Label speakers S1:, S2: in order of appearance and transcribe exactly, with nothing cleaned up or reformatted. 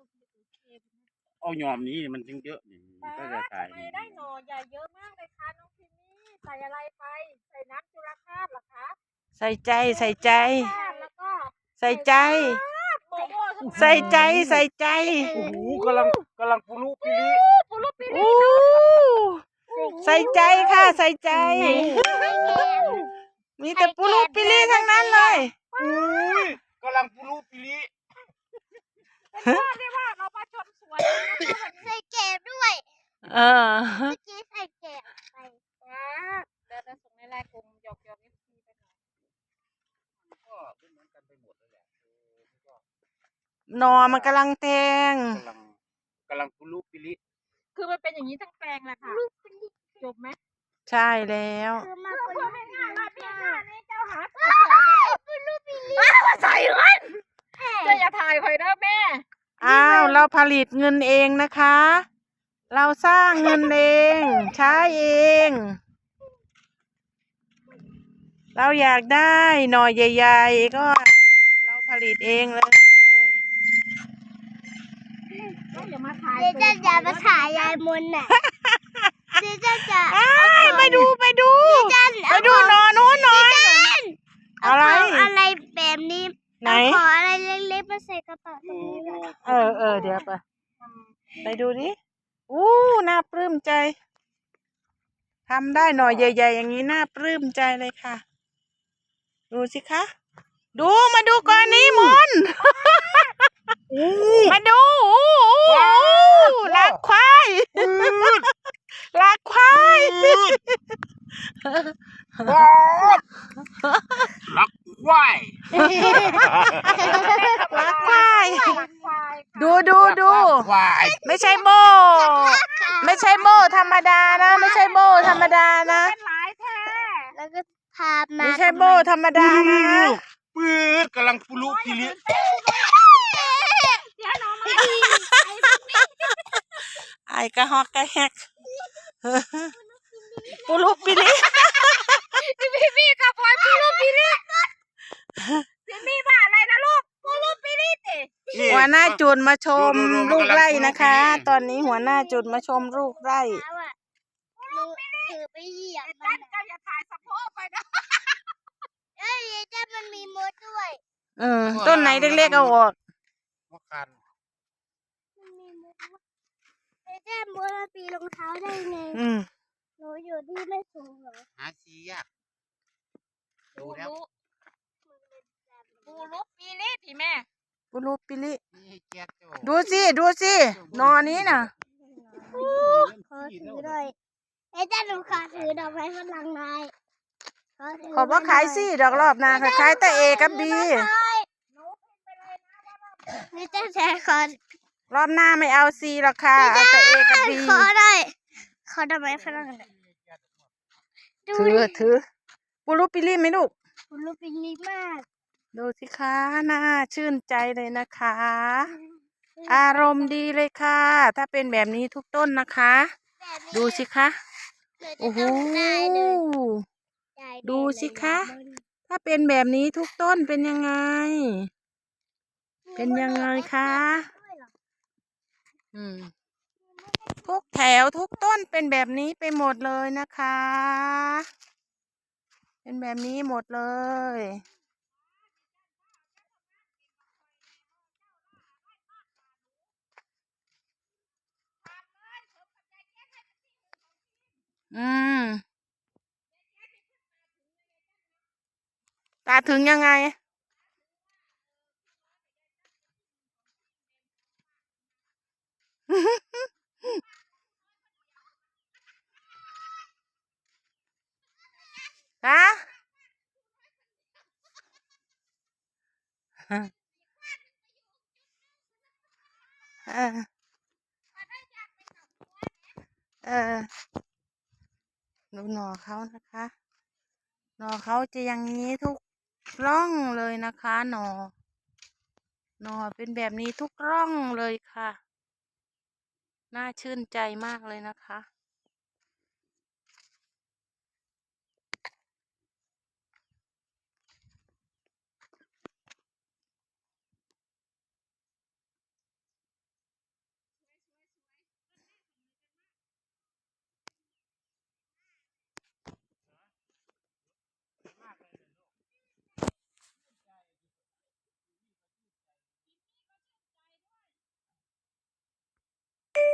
S1: เอายอมนี้มันจึงเยอะนี่ก็จะตาย
S2: ทำไมได้หน่อใหญ่เยอะมากเลยคะน้องพิมมี่ใส่อะไรไปใส่น้ำจุลธาตุเหรอคะ
S3: ใส่ใจใส่ใจ
S2: แล้วก็
S3: ใส่ใจใส่ใจใส่ใจ
S1: โอ้โหกำลังกำลังปุรุปิริ
S2: ปุรุปิริ
S3: โอ้ใส่ใจค่ะใส่ใจมีแต่ปุรุปิริทั้งนั้นเลย
S1: อุ้ยกำลังปุรุปิริ
S2: เป็นว่าเรียกว่าเรามาชมสวนนะคะ
S4: ใส่แกะด้วย
S3: เออ
S4: เมื่อกี้ใส่แกะไป
S2: ว้าเดี๋ยวจะส่งในไลน์กลุ่มหยอกหยอกนิดทีไปหน่อย
S1: ก็เป็นเหมือนกันไปหมดเลยแหละ
S3: นอมันกำลังแทง
S1: กำลังกำลังปุรุปิริ
S2: คือมันเป็นอย่างนี้ทั้งแปลงแหละค่ะจบไหม
S3: ใช่แล้ว
S2: คือมาเพื่อให้ง่ายมาพี่หน้านี่เจ้าหาปุรุปิริมาใส่เงินจะอย่าถ่ายคอยนะแม่
S3: อ้าวเราผลิตเงินเองนะคะเราสร้างเงินเองใช้เองเราอยากได้หน่อใหญ่ๆก็เราผลิตเองเลย
S2: เดี๋ยวมาถ่าย
S4: เดี๋ยวจะจะมาถ่ายยายมนน่ะเดี๋ยวจะจะ
S3: ไปดูไปดูไปดูหน่อนู้นหน่อยอะไร
S4: อะไรแบบนี้
S3: ไหน
S4: ขออะไรเล็กๆมาใส่กระเป๋าตรงนี้
S3: เออเออเดี๋ยวไปไปดูดิอู้น่าปลื้มใจทำได้หน่อยใหญ่ๆอย่างนี้น่าปลื้มใจเลยค่ะดูสิคะดูมาดูก่อนนี้มนมาดูลักควายลักควาย
S1: ลักควาย
S3: ลักควายดูดูดูไม่ใช่โบไม่ใช่โบธรรมดานะไม่ใช่โบธรรมดานะ
S4: แล้วก็พามา
S3: ไม่ใช่โบธรรมดานะ
S1: ปื๊ดกำลังปุรุปิริ
S3: ไอ้กระหอกกระแฮกปุรุปิริ
S2: พี่พี่ขับไว้ปุรุปิริพี่มีว่าอะไรนะลูกปุรุปิริติ
S3: หัวหน้าจุดมาชมลูกไร่นะคะตอนนี้หัวหน้าจุดมาชมลูกไร่
S4: ถือไปเหยียบ
S2: มันก็อย่าถ่ายสะโพกไปนะ
S4: เอ้ยจ้ามันมีมดด้วย
S3: เออต้นไหนเล็กๆเอาออก
S1: มะขัน
S4: มันมีมดเอ้ยจ้ามดปีรองเท้าได้ไงหนูอยู่ที่ไม่สูงหรอ
S1: หาซียากดูแล้ว
S2: ปูรุปิริที่แม่
S3: ปุรุปิริดูสิดูสินอนี้น่ะ
S4: ขอถือหน่อยเอ้ยจ้าหนูขอถือดอกไม้ฝรั่งหน่อย
S3: ขอว่าขายสิดอกรอบนาขายแต่เอกับบี
S4: นี่จะแชร์ขอ
S3: รอบหน้าไม่เอาซีหรอกค่ะเอาแต่เอกับบี
S4: ขอได้ขอดอกไม้ฝรั่ง
S3: ถือถือปุรุปิริไหมลูก
S4: ปุรุปิริมาก
S3: ดูสิคะน่าชื่นใจเลยนะคะอารมณ์ดีเลยค่ะถ้าเป็นแบบนี้ทุกต้นนะคะดูสิคะโอ้โหดูสิคะถ้าเป็นแบบนี้ทุกต้นเป็นยังไงเป็นยังไงคะอืมทุกแถวทุกต้นเป็นแบบนี้ไปหมดเลยนะคะเป็นแบบนี้หมดเลยอืมตาถึงยังไงฮะเออเออดูหน่อเขานะคะหน่อเขาจะอย่างนี้ทุกร่องเลยนะคะหน่อหน่อเป็นแบบนี้ทุกร่องเลยค่ะน่าชื่นใจมากเลยนะคะ